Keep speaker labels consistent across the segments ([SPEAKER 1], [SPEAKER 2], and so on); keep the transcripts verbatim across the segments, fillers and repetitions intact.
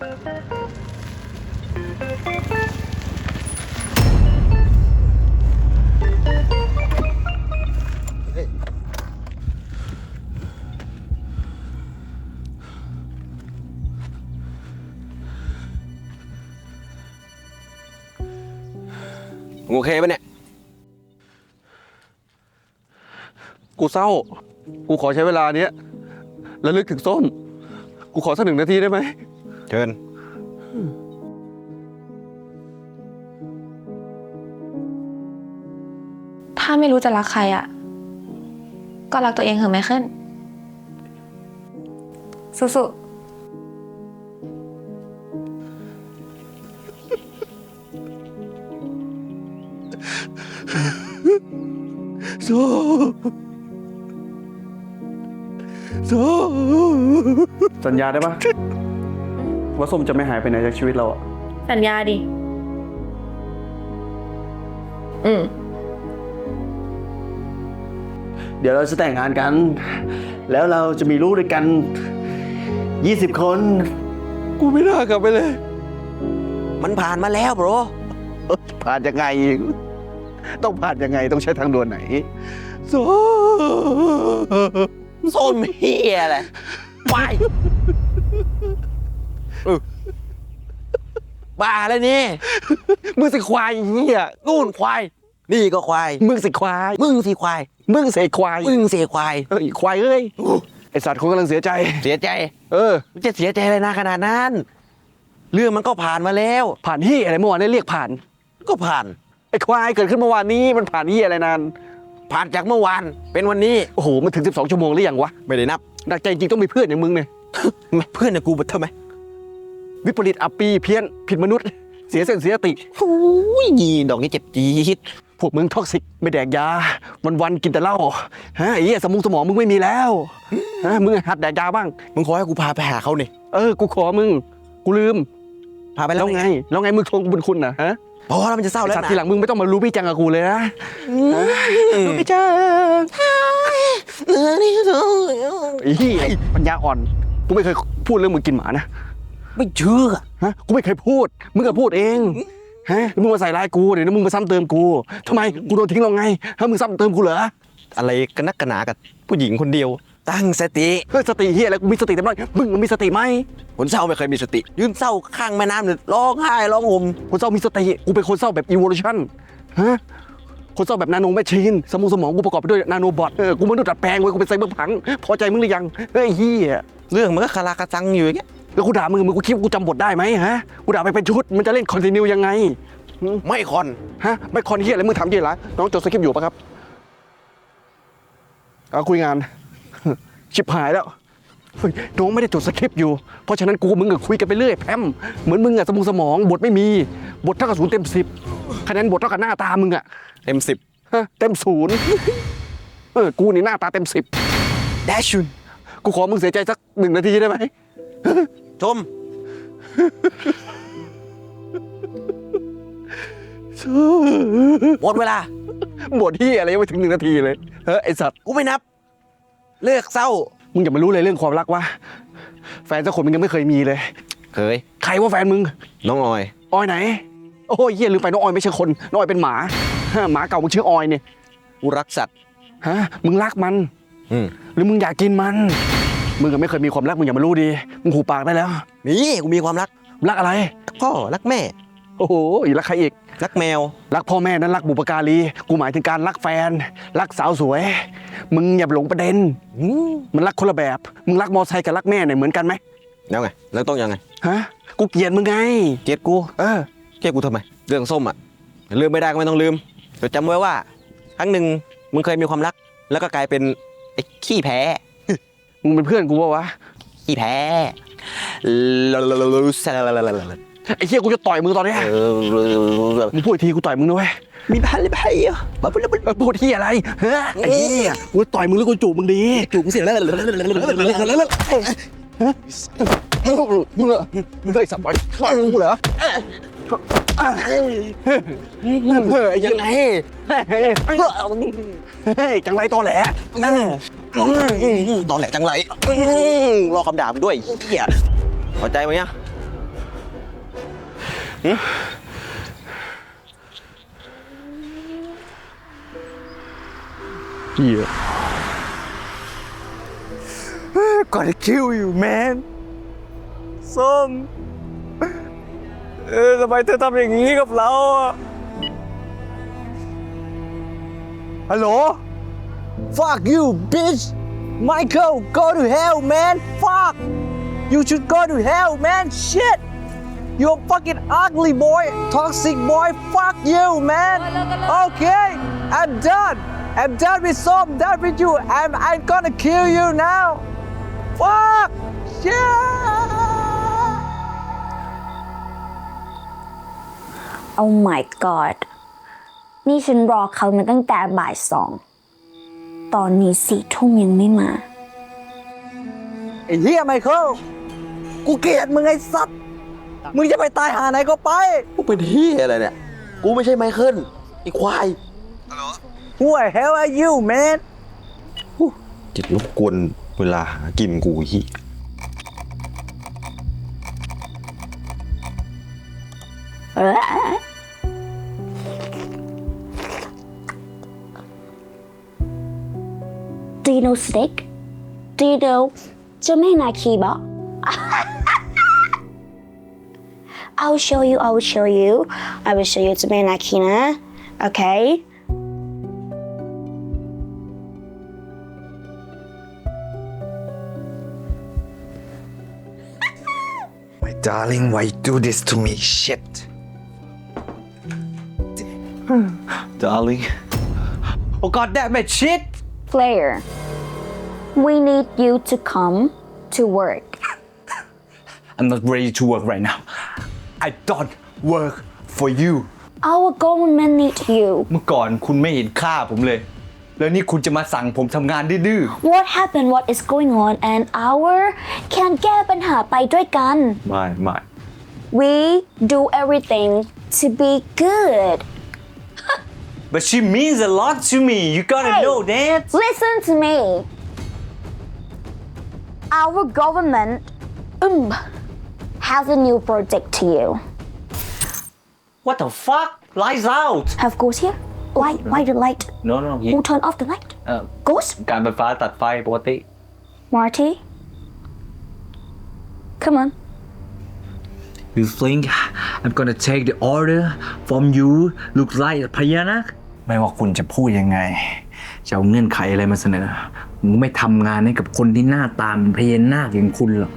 [SPEAKER 1] โอเคปะเนี่ยกูเศร้ากูขอใช้เวลาเนี้ยระลึกถึงส้มกูขอสักหนึ่งนาทีได้ไหมเชิญ
[SPEAKER 2] ถ้าไม่รู้จะรักใครอ่ะก็รักตัวเองเถอะไมเคิลสู้ๆ
[SPEAKER 1] สู้สู้สัญญาได้ปะว่าส้มจะไม่หายไปไหนจากชีวิตเราอะ
[SPEAKER 2] สัญญาดิอืม
[SPEAKER 1] เดี๋ยวเราจะแต่งงานกันแล้วเราจะมีลูกด้วยกันยี่สิบคนกูไม่น่ากลับไปเลย
[SPEAKER 3] มันผ่านมาแล้วโบร
[SPEAKER 1] ผ่านยังไงต้องผ่านยังไงต้องใช้ทางด่วนไหนส้ม
[SPEAKER 3] ส้มเฮียอะไรวายบ้าแล้วนี่
[SPEAKER 1] มึงสิควายเฮีย
[SPEAKER 3] นู่นควายนี่ก็ควาย
[SPEAKER 1] มึงสิควาย
[SPEAKER 3] มึงสิควาย
[SPEAKER 1] มึงเสกควาย
[SPEAKER 3] มึงเสกควาย
[SPEAKER 1] เอ้ยควายเอ้ยไอสัตว์คงกำลังเสียใจ
[SPEAKER 3] เสียใจ
[SPEAKER 1] เออ
[SPEAKER 3] มันจะเสียใจอะไรนะขนาดนั้นเรื่องมันก็ผ่านมาแล้ว
[SPEAKER 1] ผ่านที่อะไรเมื่อวานได้เรียกผ่าน
[SPEAKER 3] ก็ผ่าน
[SPEAKER 1] ไอ้ควายเกิดขึ้นเมื่อวานนี้มันผ่านที่อะไรนาน
[SPEAKER 3] ผ่านจากเมื่อวานเป็นวันนี้
[SPEAKER 1] โอ้โหมันถึงสิบสองชั่วโมงหรือยังวะ
[SPEAKER 3] ไม่ได้นับ
[SPEAKER 1] หนักใจจริงต้องมีเพื่อนอย่างมึงเนี่ย
[SPEAKER 3] เพื่อนเนี่ยกูบัดทำไม
[SPEAKER 1] วิปริตอัปปีเพี้ยนผิดมนุษย์เสียเส้นเสียสติ
[SPEAKER 3] โอ้ยยีดอกนี้เจ็บจี๊ด
[SPEAKER 1] พวกมึงท็อกซิกไม่แดกยาวันวันกินแต่เหล้าฮะไอ้เหี้ยสมองสมองมึงไม่มีแล้วฮะมึงหัดแดกยาบ้าง
[SPEAKER 3] มึงขอให้กูพาไปหาเขาเนี่ย
[SPEAKER 1] เออกูขอมึงกูลืม
[SPEAKER 3] พาไปแล้ว
[SPEAKER 1] ไงแล้วไงมึงทวงบุญคุณนะฮะ
[SPEAKER 3] พอแล้วมันจะเศร้าแล้วนะ
[SPEAKER 1] ทีหลังมึงไม่ต้องมารู้พี่จังกับกูเลยนะรู้พี่จังไอ้เหี้ยปัญญาอ่อนกูไม่เคยพูดเรื่องมึงกินหมานะ
[SPEAKER 3] ไม่เชื่อ
[SPEAKER 1] ฮะกูไม่เคยพูดมึงก็พูดเองฮะมึงมาใส่ร้ายกูเดี๋ยวมึงมาซ้ำเติมกูทำไมกูโดนทิ้งเราไงฮะมึงซ้ำเติมกูเหรอ
[SPEAKER 3] อะไรกันนักกันหนากับผู้หญิงคนเดียวตั้งสติ
[SPEAKER 1] เฮ้ยสติเฮียอะไรกูมีสติเต็มร้อยมึงมีสติไหม
[SPEAKER 3] คนเศร้าไม่เคยมีสติยืนเศร้าข้างแม่น้ำเนี่ยร้องไห้ร้องห่ม
[SPEAKER 1] คนเศร้ามีสติกูเป็นคนเศร้าแบบ evolution ฮะคนเศร้าแบบนาโนแมชชีนสมองสมองกูประกอบไปด้วยนาโนบอทเออกูไม่ต้องดัดแปลงเว้ยกูเป็นไซเบอร์พังพอใจมึงหรือยังเฮ้ยเฮีย
[SPEAKER 3] เรื่องมันก็คาราคาซังอยู่อย่างเงี้ย
[SPEAKER 1] แล้วกูด่ามึงมึงกูคิดกูจำบทได้ไหมฮะกูด่าไปเป็นชุดมันจะเล่นคอนติเนียยังไง
[SPEAKER 3] ไม่คอน
[SPEAKER 1] ฮะไม่คอนเฮียอะไรมึงถามเฮียไรน้องจดสคริปต์อยู่ปะครับเอาคุยงานชิบหายแล้วน้องไม่ได้จดสคริปต์อยู่เพราะฉะนั้นกูมึงก็คุยกันไปเรื่อยแพมเหมือนมึงอะสมองสมองบทไม่มีบทเท่ากับศูนย์เต็มสิบคะแนนบทเท่ากับหน้าตามึงอะ
[SPEAKER 3] เต็มสิบ
[SPEAKER 1] ฮะเต็มศูนย์เออกูนี่หน้าตาเต็มสิบ
[SPEAKER 3] แดชุน
[SPEAKER 1] กูขอมึงเสียใจสักหนึ่งนาทีได้ไหม
[SPEAKER 3] ชมหมดเวลา
[SPEAKER 1] บทที่อะไรยังไม่ถึงหนึ่งนาทีเลยเฮ้ยไอสัตว์
[SPEAKER 3] กูไม่นับเลิกเศร้า
[SPEAKER 1] มึงอย่ามารู้เลยเรื่องความรักวะแฟนสักคนมึงยังไม่เคยมีเลย
[SPEAKER 3] เคย
[SPEAKER 1] ใครว่าแฟนมึง
[SPEAKER 3] น้องออย
[SPEAKER 1] ออยไหนโอ้ยเหี้ยลืมไปน้องออยไม่ใช่คนน้องออยเป็นหมาหมาเก่ามึงชื่อออยเนี่ย
[SPEAKER 3] กูรักสัตว์
[SPEAKER 1] ฮะมึงรักมันหรือมึงอยากกินมันมึงก็ไม่เคยมีความรักมึงอย่ามารู้ดีมึงหูปากได้แล้ว
[SPEAKER 3] นี่กูมีความรัก
[SPEAKER 1] รักอะไร
[SPEAKER 3] พ่อรักแม่
[SPEAKER 1] โอ้โหรักใครอีก
[SPEAKER 3] รักแมว
[SPEAKER 1] รักพ่อแม่นั้นรักบุปการีกูหมายถึงการรักแฟนรักสาวสวยมึงอย่าหลงประเด็นมันรักคนละแบบมึงรักมอไซค์กับรักแม่เนี่ยเหมือนกันไหม
[SPEAKER 3] แล้วไงแล้วต้องยังไง
[SPEAKER 1] ฮะกูเกลียดมึงไง
[SPEAKER 3] เกลียดกู
[SPEAKER 1] เออ
[SPEAKER 3] เกลียดกูทำไมเรื่องส้มอ่ะลืมไม่ได้ก็ไม่ต้องลืมแต่จำไว้ว่าครั้งหนึ่งมึงเคยมีความรักแล้วก็กลายเป็นไอ้ขี้แพ้
[SPEAKER 1] มึงเป็นเพื่อนกูปะวะ
[SPEAKER 3] ขี้แพ้
[SPEAKER 1] ไอ้เหี้ยกูจะต่อยมึงตอนนี้มึงพูดทีกูต่อยมึงด้วย
[SPEAKER 3] มีพันเลยไปอ่ะมาพูด
[SPEAKER 1] แล้วพูดที่อะไรเฮ้ยไอ้เหี้ยกูต่อยมึงหรือกูจูบมึงดี
[SPEAKER 3] จูบมึงสิแล้ว
[SPEAKER 1] มึงเหรอมึงได้สับไปกูเหรอเฮ้ยยังไงเฮ้ยจังไรตอแหล
[SPEAKER 3] ตอแหลจังไรรอคำด่ามึงด้วยเหี้ยพอใจไหมเนี่ย
[SPEAKER 1] เหี้ย
[SPEAKER 3] Gotta kill you man ส้มเออทำไมเธอทำอย่างนี้กับเราอ่ะฮัลโหล Fuck you bitch Michael go to hell man Fuck you should go to hell man shit you're fucking ugly boy toxic boy fuck you man okay I'm done I'm done with Som done with you I'm I'm gonna kill you now fuck yeah
[SPEAKER 4] Oh my god นี่ฉันรอเขามาตั้งแต่บ่ายสอง ตอนนี้สี่ทุ่มยังไม่มา
[SPEAKER 3] ไอ้เหี้ยไมเคิลกูเกลียดมึงไอ้สัตว์ มึงจะไปตายหาไหนก็ไป กูเป็นเหี้ยอะไรเนี่ย กูไม่ใช่ไมเคิลไอ้ควาย Who the hell are you man จิตรบกวนเวลาหากินกูฮี่
[SPEAKER 4] Do you know snake? Do you know เจ้าแม่นาคีบะ I'll show you I will show you I will show you เจ้าแม่นาคีนะ Okay
[SPEAKER 5] My darling, why you do this to me? Shit.
[SPEAKER 3] Darling Oh god damn it shit
[SPEAKER 4] Player we need you to come to work
[SPEAKER 5] I'm not ready to work right now. I don't work for you.
[SPEAKER 4] Our government need you
[SPEAKER 5] เมื่อก่อนคุณไม่เห็นค่าผมเลย แล้วนี่คุณจะมาสั่งผมทำงานดื้อ
[SPEAKER 4] What happened what is going on and our can แก้ปัญหาไปด้วยกัน
[SPEAKER 5] ๆไม่ไม่
[SPEAKER 4] We do everything to be good
[SPEAKER 5] But she means a lot to me. You gotta
[SPEAKER 4] Hey.
[SPEAKER 5] know that.
[SPEAKER 4] Listen to me Our government um, has a new project to you
[SPEAKER 5] What the fuck? Lights out.
[SPEAKER 4] Have ghost here Why why the light
[SPEAKER 5] No no.
[SPEAKER 4] Who turn off the light
[SPEAKER 5] เอ่อ
[SPEAKER 4] Ghost
[SPEAKER 5] การไฟฟ้าตัดไฟปกติ
[SPEAKER 4] Marty Come on
[SPEAKER 5] You think I'm gonna take the order from you? Look like a พญานาคไม่ว่าคุณจะพูดยังไง จะเอาเงื่อนไขอะไรมาเสนอมึงไม่ทำงานให้กับคนที่หน้าตาเป็นพญานาคอย่างคุณหรอก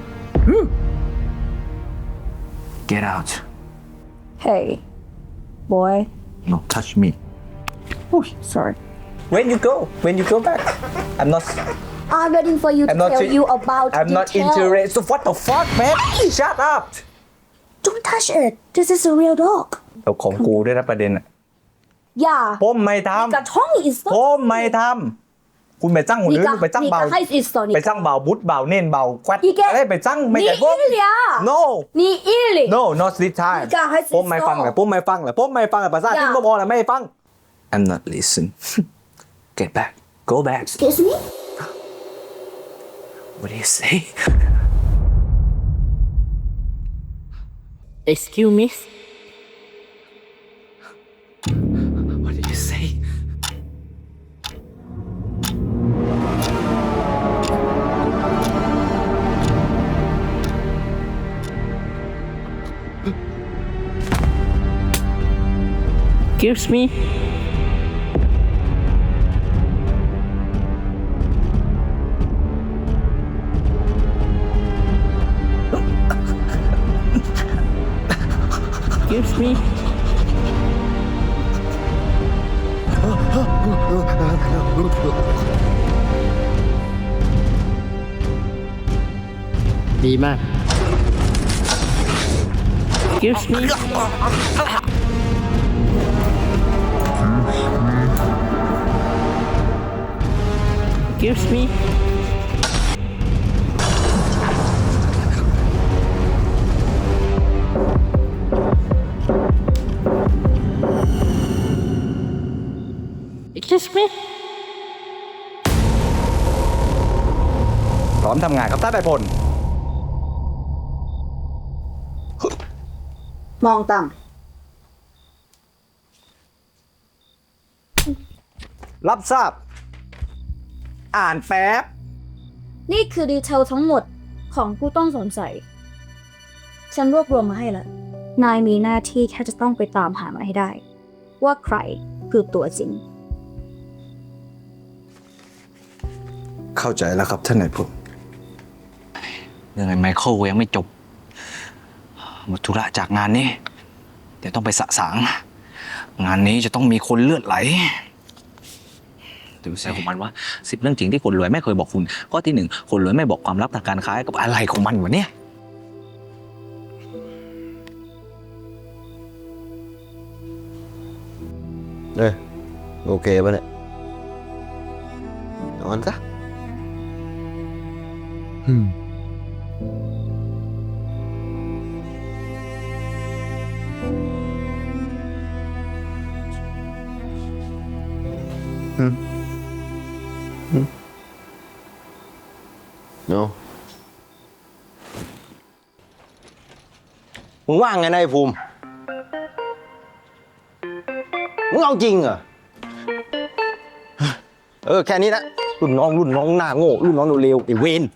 [SPEAKER 5] Get out.
[SPEAKER 4] Hey boy
[SPEAKER 5] No touch me.
[SPEAKER 4] sorry
[SPEAKER 3] When you go When you go back I'm not
[SPEAKER 4] I'm waiting for you to
[SPEAKER 3] I'm not
[SPEAKER 4] tell
[SPEAKER 3] in-
[SPEAKER 4] you about
[SPEAKER 3] I'm not
[SPEAKER 4] detail.
[SPEAKER 3] interested So what the fuck man Shut up
[SPEAKER 4] Don't touch it This is a real dog
[SPEAKER 5] เอาของกูด้วยนะประเด็นอ่ะ
[SPEAKER 4] Yeah
[SPEAKER 5] ผมไม่ท
[SPEAKER 4] 你个冲一
[SPEAKER 5] ำผมไม่ทำคุณไปจ้างคนอื่นไปจ้างเบา
[SPEAKER 4] 你个还是说你
[SPEAKER 5] ไปจ้างเบาบุตรเบาเน่นเบาควัด
[SPEAKER 4] 你个
[SPEAKER 5] อะไรไปจ้างไม่
[SPEAKER 4] 你
[SPEAKER 5] ใช่ผม
[SPEAKER 4] 一了
[SPEAKER 5] No
[SPEAKER 4] 你一了
[SPEAKER 5] No not this time
[SPEAKER 4] 你个还是
[SPEAKER 3] ผมไม่ฟังเลยผมไม่ฟังเลยผมไม่ฟังเลยภาษาที่ผมบอกเลยไม่ฟัง
[SPEAKER 5] I'm not listen Get back Go back
[SPEAKER 4] Excuse me
[SPEAKER 5] What do you say
[SPEAKER 6] Excuse me
[SPEAKER 5] What did you say
[SPEAKER 6] Excuse me Excuse me ดีมาก Excuse me Excuse me Excuse me
[SPEAKER 5] พร้อมทำงานครับท่านนายพล
[SPEAKER 4] มองต่
[SPEAKER 3] รับทราบ อ่านแป๊บ
[SPEAKER 4] ำนี่คือดีเทลทั้งหมดของผู้ต้องสงสัย ฉันรวบรวมมาให้แล้ว นายมีหน้าที่แค่จะต้องไปตามหามาให้ได้ ว่าใครคือตัวจริง
[SPEAKER 3] เข้าใจแล้วครับท่านนายพล
[SPEAKER 5] เรื่องไอ้ไมเคิลยังไม่จบหมดธุระจากงานนี้เดี๋ยวต้องไปสะสาง งานนี้จะต้องมีคนเลือดไหลดูเสียของมันว่าสิบเรื่องจริงที่คนรวยไม่เคยบอกคุณข้อที่หนึ่งคนรวยไม่บอกความลับทางการค้ากับอะไรของมันวะเนี่ย
[SPEAKER 3] เออโอเคป่ะเนี่ยนอนซะอืมอืมอืมโนมึงว่างไงนายภูมิ มึงเอาจริงเหรอ เออ แค่นี้นะรุ่นน้องรุ่นน้องหน้าโง่รุ่นน้องเร็วๆไอ้เวน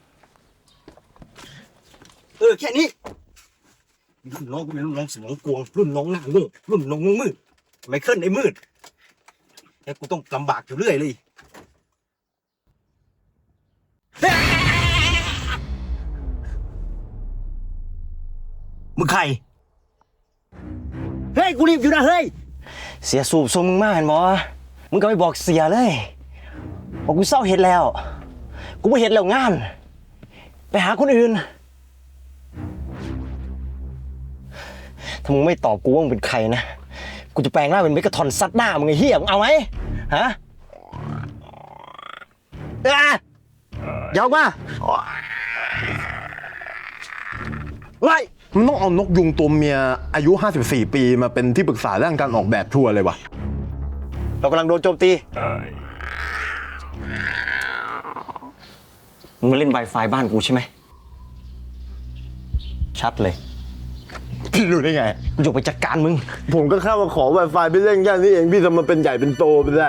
[SPEAKER 3] เออ แค่นี้ รุ่นน้องกูเป็นรุ่นน้องสมองกวงรุ่นน้องหน้าโง่รุ่นน้องมืดไม่เคลื่อนไอ้มืดแต่กูต้องลำบากอยู่เรื่อยเลยมึงใคร เฮ้ย กูรีบอยู่นะเฮ้ย เสียสูบทรงมึงมากเห็นบอมึงก็ไม่บอกเสียเลยบอกกูเศร้าเห็ดแล้ว กูไม่เห็ดแล้วงาน ไปหาคนอื่น ถ้ามึงไม่ตอบกูว่ามึงเป็นใครนะ กูจะแปลงร่างเป็นเมกะทอนซัดหน้ามึงไอ้เหี้ยมึงเอาไหมฮะเอ้ยยาวมาไล่
[SPEAKER 7] มันต้องเอานกยุงตัวเมียอายุ ห้าสิบสี่ ปีมาเป็นที่ปรึกษาเรื่องการออกแบบทัวร์เลยวะ
[SPEAKER 3] เรากำลังโดนโจมตีมึงมาเล่น Wi-Fi บ้านกูใช่ไหม ชัดเลย
[SPEAKER 7] พี่รู้ได้ไง
[SPEAKER 3] กูจะไปจัดการมึง
[SPEAKER 7] ผมก็แค่มาขอ Wi-Fi ไปเล่นแค่นี้เอง พี่ทำมันเป็นใหญ่เป็นโตไปได้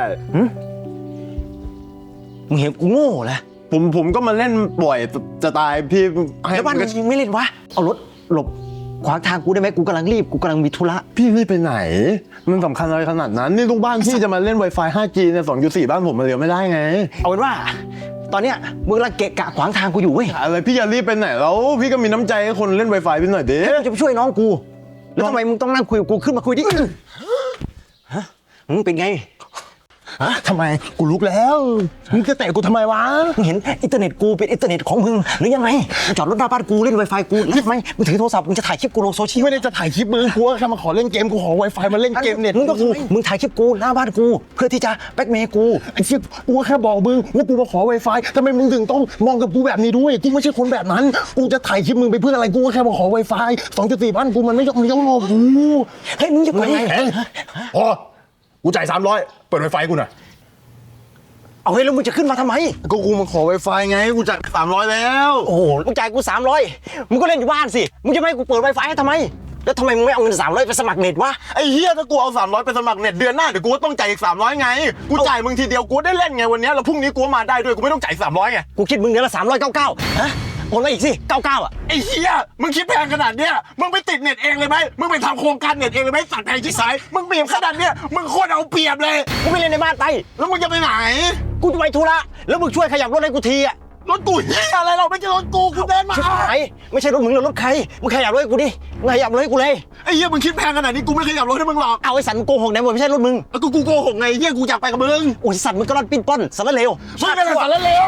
[SPEAKER 3] มึงเห็นกูโง่เหรอ
[SPEAKER 7] ผมผมก็มาเล่นบ่อยจะตายพี่ให้
[SPEAKER 3] แล้วบ้านมึงยังไม่เล่นวะ เอารถหลบขวางทางกูได้ไหมกูกำลังรีบ กูกำลังมีธุระ
[SPEAKER 7] พี่รีบไปไหน มันสำคัญอะไรขนาดนั้น นี่ลูกบ้านพี่จะมาเล่น Wi-Fi ห้าจี เนี่ย สองจุดสี่ บ้านผมมาเรียนไม่ได้ไง
[SPEAKER 3] เอาเป็นว่า ตอนเนี้ยมึงกำลังเกะกะขวางทางกูอยู่เว้ย
[SPEAKER 7] อะไรพี่อย่ารีบไปไหนแล้ว พี่ก็มีน้ำใจให้คนเล่น Wi-Fi พี่หน่อยดิ
[SPEAKER 3] กูจะไปช่วยน้องกู แล้วทำไมมึงต้องนั่งคุยกับกูขึ้นมาคุยดิฮะมึงเป็นไง
[SPEAKER 7] ฮะทำไม กูลุกแล้ว มึงจะเตะกูทำไมวะ
[SPEAKER 3] มึงเห็นอินเทอร์เน็ตกูเป็นอินเทอร์เน็ตของมึงหรือยังไงมึงจอดรถหน้าบ้านกูเล่น Wi-Fi กูหรือไม่มึงถือโทรศัพท์มึงจะถ่ายคลิปกูลงโซเชียล
[SPEAKER 7] ไม่ได้จะถ่ายคลิปมึงกูแค่มาขอเล่นเกม กูขอ Wi-Fi มาเล่นเกมเน็ต
[SPEAKER 3] มึงต้องมึงถ่ายคลิปกูหน้าบ้านกู เพื่อที่จะแบล็กเมย์กู
[SPEAKER 7] ไอ้เชี่ยกูแค่บอกมึงว่ากูมาขอ Wi-Fi ทำไมมึงถึงต้องมองกับกูแบบนี้ด้วย กูไม่ใช่คนแบบนั้น กูจะถ่ายคลิปมึงไปเพื่ออะไร กูก็แค่มาขอ Wi-Fi สองจุดสี่ บ้านกูมันไม่ยอมเลี้ยวรอกู
[SPEAKER 3] เฮ้ยมึงจะไป
[SPEAKER 7] เฮ้ยพอกูจ่ายสามร้อยเปิด Wi-Fi กูหน่อย
[SPEAKER 3] เอาเฮ้ยแล้วมึงจะขึ้นมาทำไม
[SPEAKER 7] ก็กูมาขอ Wi-Fi ไง กูจ่ายสามร้อยแล้ว
[SPEAKER 3] โอ้โหมึงจ่ายกูสามร้อยมึงก็เล่นอยู่บ้านสิ มึงจะไม่ให้กูเปิด Wi-Fi ให้ทำไม แล้วทำไมมึงไม่เอาเงินสามร้อยไปสมัครเน็ตวะ
[SPEAKER 7] ไอ้เฮียถ้ากูเอาสามร้อยไปสมัครเน็ตเดือนหน้าเดี๋ยวกูก็ต้องจ่ายอีกสามร้อยไง กูจ่ายมึงทีเดียวกูได้เล่นไงวันนี้แล้วพรุ่งนี้กูมาได้ด้วยกูไม่ต้องจ่ายสามร้อยไง
[SPEAKER 3] กูคิดมึงเดือนละสามร้อยเก้าเก้าฮะโอนมาอีกสิเก้าเก้าอ่ะ
[SPEAKER 7] ไอ้เฮียมึงคิดแพงขนาดเนี้ยมึงไปติดเน็ตเองเลยไหมมึงไปทำโครงการเน็ตเองเลยไหมสัตว์แพงที่สายมึงเปรียบขนาดเนี้ยมึงโคตรเอาเปรียบเลย
[SPEAKER 3] กูไม่เล่นในบ้านไป
[SPEAKER 7] แล้วมึงจะไปไหน
[SPEAKER 3] กูจะไปธุระแล้วมึงช่วยขยับรถให้กูทีอ่ะ
[SPEAKER 7] รถกูเฮียอะไรเราไม่ใช่รถกูกูเดินมา
[SPEAKER 3] ชิบหายไม่ใช่รถมึงหรือรถใครมึงขยับรถให้กูดิมึงขยับรถให้กูเลย
[SPEAKER 7] ไอ้เฮียมึงคิดแพงขนาดนี้กูไม่ขยับรถให้มึงหรอก
[SPEAKER 3] เอาไอ้สันมึงโกหกไหนบอกไม่ใช่รถมึง
[SPEAKER 7] แล้วกูกูโกหกไงเฮียกูอยากไปกับมึง
[SPEAKER 3] โอ้ยสัตว์มึงก็รอดปิ้นป้อนสารเลว
[SPEAKER 7] มึงเป็นอะไรสารเลว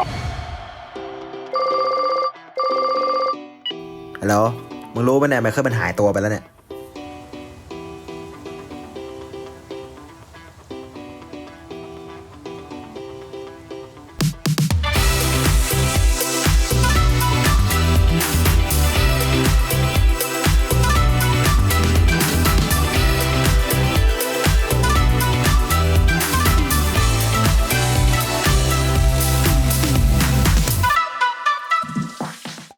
[SPEAKER 8] ฮัลโหล มึงรู้ป่ะเนี่ยไมเคิลมันหายตัวไปแล้วเนี่ย